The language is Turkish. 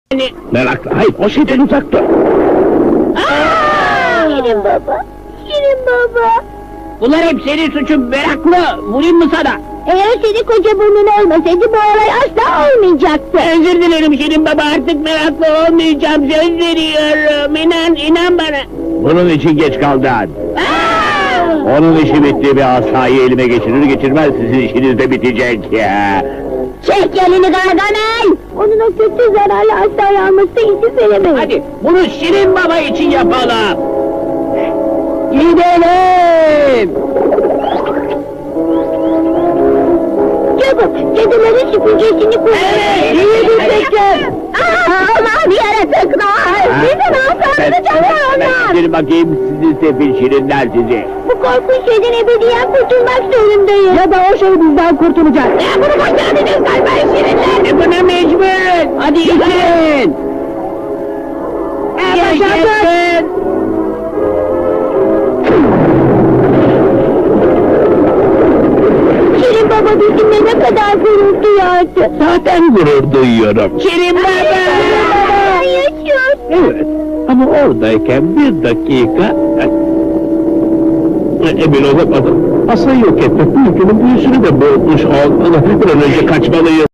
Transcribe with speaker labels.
Speaker 1: Meraklı, hayır, o şeyden uzak dur.
Speaker 2: Şirin baba, Şirin baba.
Speaker 3: Bunlar hep senin suçun meraklı. Vurayım mı sana?
Speaker 2: Eğer senin koca burnun olmasaydı bu olay asla olmayacaktı.
Speaker 3: Özür dilerim Şirin baba, artık meraklı olmayacağım, söz veriyorum. İnan bana.
Speaker 1: Bunun için geç kaldın. Onun işi bitti, bir asayı elime geçirir geçirmez sizin işiniz de bitecek ya.
Speaker 2: Çek elini Gargamel! Onun o kötü zararlı asayı almasına izin veremeyiz.
Speaker 3: Hadi bunu Şirin baba için yapalım.
Speaker 2: Gidelim! Çabuk, cadıların süpürgesini kullan.
Speaker 3: Evet,
Speaker 2: İyi bir
Speaker 3: evet.
Speaker 2: fikir. Aman yaratıklar! Bizim asamızı çalıyorlar!
Speaker 1: Bir bakayım sizi sefil şirinler sizi.
Speaker 2: Bu korkunç şeyden ebediyen kurtulmak zorundayız. Ya da o şey bizden kurtulacak. Ya bunu başardınız galiba şirinler.
Speaker 3: Buna mecburuz. Hadi için.
Speaker 2: Başardın. Şirin baba bizimle ne kadar gurur duyardı.
Speaker 1: Zaten gurur duyuyorum.
Speaker 3: Şirin baba.
Speaker 2: Yaşıyor.
Speaker 1: Evet, ama oradayken bir dakika... Emin olamadım. Asayı yok etmek mümkünün büyüsünü de boğmuş olmalı. Bir an önce kaçmalıyız.